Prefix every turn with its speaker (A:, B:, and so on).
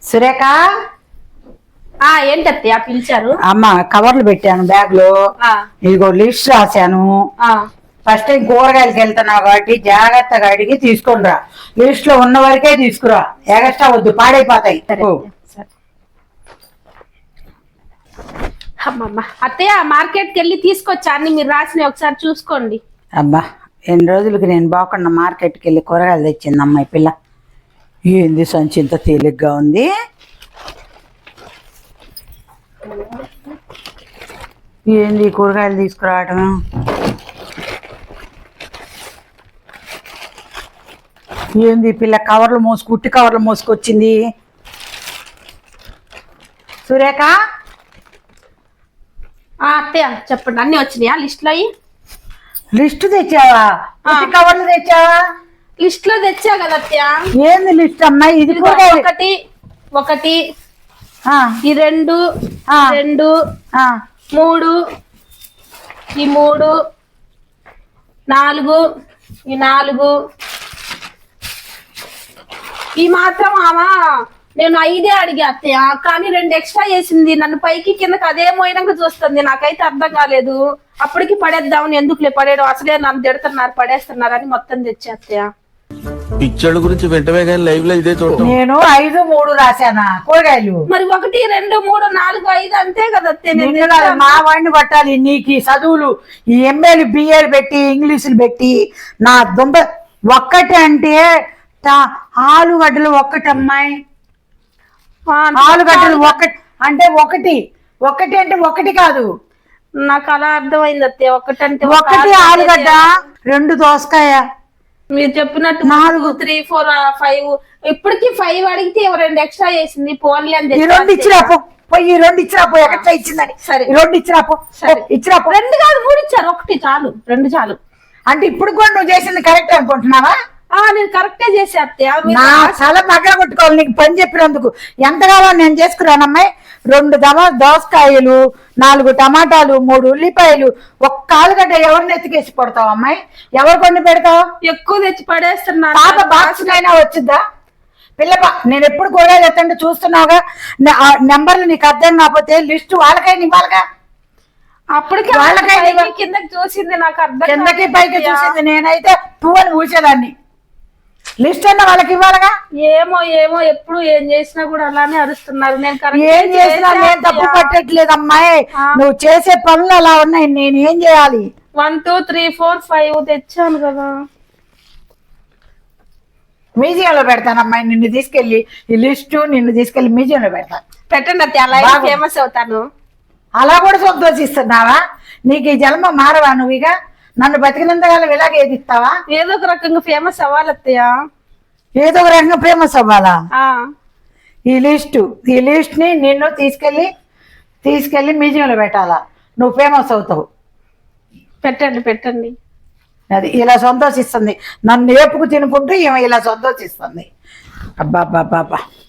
A: సురేఖ
B: ఏంటత్తయ్య పిలిచారు?
A: అమ్మ కవర్లు పెట్టాను బ్యాగ్ లో. ఇదిగో లిస్ట్ రాశాను. ఫస్ట్ టైం కూరగాయలకి వెళ్తున్నావు కాబట్టి జాగ్రత్తగా అడిగి తీసుకొని రా. లిస్ట్ లో ఉన్న వరకే తీసుకురా, ఎగస్ట్రా వద్దు, పాడైపోతాయి.
B: అమ్మమ్మ అత్తయ్య మార్కెట్కి వెళ్ళి తీసుకొచ్చా అన్ని, మీరు రాసినవి ఒకసారి చూసుకోండి.
A: అబ్బా ఎన్ని రోజులకి నేను బాగున్నా మార్కెట్కి వెళ్ళి కూరగాయలు తెచ్చింది అమ్మాయి పిల్ల. ఏంది సంచి ఇంత తేలిగ్గా ఉంది? ఏంది కూరగాయలు తీసుకురావటం? ఏంది పిల్ల కవర్లు కుట్టి కవర్లు మోసుకొచ్చింది? సురేఖ
B: అత్తయ్య చెప్పండి, అన్ని వచ్చినాయా లిస్ట్ లో?
A: లిస్ట్ తెచ్చావా? కుట్టి కవర్లు తెచ్చావా?
B: లిస్ట్ లో తెచ్చా కదా అత్తయ్య.
A: ఏంది లిస్ట్ అమ్మాయి? ఇది
B: ఒకటి ఒకటి, ఈ రెండు, రెండు, మూడు, ఈ మూడు, నాలుగు, ఈ నాలుగు, ఈ మాత్రం ఆమా నేను 5 అడిగా అత్తయ్య, కానీ 2 ఎక్స్ట్రా చేసింది. నన్ను పైకి కిందకి అదే మోయినాక చూస్తుంది. నాకైతే అర్థం కాలేదు. అప్పటికి పడేద్దామని, ఎందుకులే పడేయడం, అసలే నన్ను తిడుతున్నారు పడేస్తున్నారు అని మొత్తం తెచ్చా అత్తయ్య.
C: పిచ్చోళ్ళ గురించి వెంటనే కానీ లైవ్ లో ఇదే చూడటం.
A: నేను 5, 3 రాశానా కూరగాయలు?
B: మరి 1, 2, 3, 4, 5 అంతే కదా అత్తయ్య.
A: మా వాడిని పట్టాలి నీకు చదువులు, ఈ ఎంఏలు బిఏలు పెట్టి ఇంగ్లీషులు పెట్టి నా దుంప. ఒక్కటి అంటే ఆలుగడ్డలు ఒక్కటి అమ్మాయి, ఆలుగడ్డలు ఒకటి అంటే ఒకటి అంటే ఒకటి కాదు.
B: నాకు అలా అర్థమైంది అత్తయ్య. ఒకటంటే
A: ఒకటి ఆలుగడ్డ, 2 దోసకాయ,
B: మీరు చెప్పినట్టు 4, 3, 4, 5. ఇప్పటికి 5 అడిగితే 2 ఎక్స్ట్రా చేసింది. పోన్లే అని
A: 2 ఇచ్చిరాపో, పోయి 2 ఇచ్చిరాపో. ఎక్కడ ఇచ్చిందని 2 ఇచ్చిరాపో. ఇచ్చిరాపో.
B: 2 కాదు 3 ఇచ్చారు. 1 చాలు, 2 చాలు.
A: అంటే ఇప్పుడు కూడా నువ్వు చేసింది కరెక్ట్ అనుకుంటున్నావా?
B: నేను కరెక్టే చేసే అత్తయ్య.
A: నా చాలా మగ్గ కొట్టుకోవాలి నీకు పని చెప్పినందుకు. ఎంత కావాలో నేను చేసుకురానమ్మాయి. 2 దోసకాయలు, 4 టమాటాలు, 3 ఉల్లిపాయలు, 1 ఆలుగడ్డ. ఎవరిని ఎత్తికేసి పడతావు అమ్మాయి? ఎవరు కొన్ని పెడతావు?
B: ఎక్కువ తెచ్చి పడేస్తున్నా.
A: పాప బాక్స్ అయినా వచ్చిద్దా పిల్ల? నేను ఎప్పుడు కూరగాయలు ఎత్తంటే చూస్తున్నావుగా. నెంబర్లు నీకు అర్థం కాకపోతే లిస్ట్ వాళ్ళకైనా ఇవ్వాలిగా.
B: అప్పటికి వాళ్ళకైనా కిందకి చూసింది, నాకు అర్థం
A: కిందకి పైకి చూసింది. నేనైతే 2 అని ఊసేదాన్ని. లిస్ట్ అన్న వాళ్ళకి ఇవ్వాలగా.
B: ఏమో ఏమో ఎప్పుడు ఏం చేసినా కూడా అలానే అరుస్తున్నారు. నేను
A: ఏం చేసినా నేను తప్పు పట్టట్లేదు అమ్మాయి. నువ్వు చేసే పనులు అలా ఉన్నాయి. నేను ఏం చేయాలి?
B: 1, 2, 3, 4, 5 తెచ్చాను కదా.
A: మ్యూజియంలో పెడతాను అమ్మాయి. నిన్ను తీసుకెళ్లి ఈ లిస్టు తీసుకెళ్లి మ్యూజియంలో పెడతాను.
B: పెట్టండి అత్తయ్య, అలా ఫేమస్ అవుతాను.
A: అలా కూడా సంతోషిస్తున్నావా? నీకు ఈ జన్మ మారవా? నువ్వు ఇక నన్ను బతికినంతకాలం ఇలాగే ఎదిస్తావా?
B: ఏదో ఒక రకంగా ఫేమస్ అవ్వాలి అత్తయ్య.
A: ఏదో ఒక రకంగా ఫేమస్ అవ్వాలా? ఈ లిస్ట్ ని నిన్ను తీసుకెళ్లి మ్యూజియంలో పెట్టాలా? నువ్వు ఫేమస్ అవుతావు.
B: పెట్టండి.
A: అది ఇలా సంతోషిస్తుంది. నన్ను ఏపుకు తినుకుంటూ ఈమె ఇలా సంతోషిస్తుంది. అబ్బా.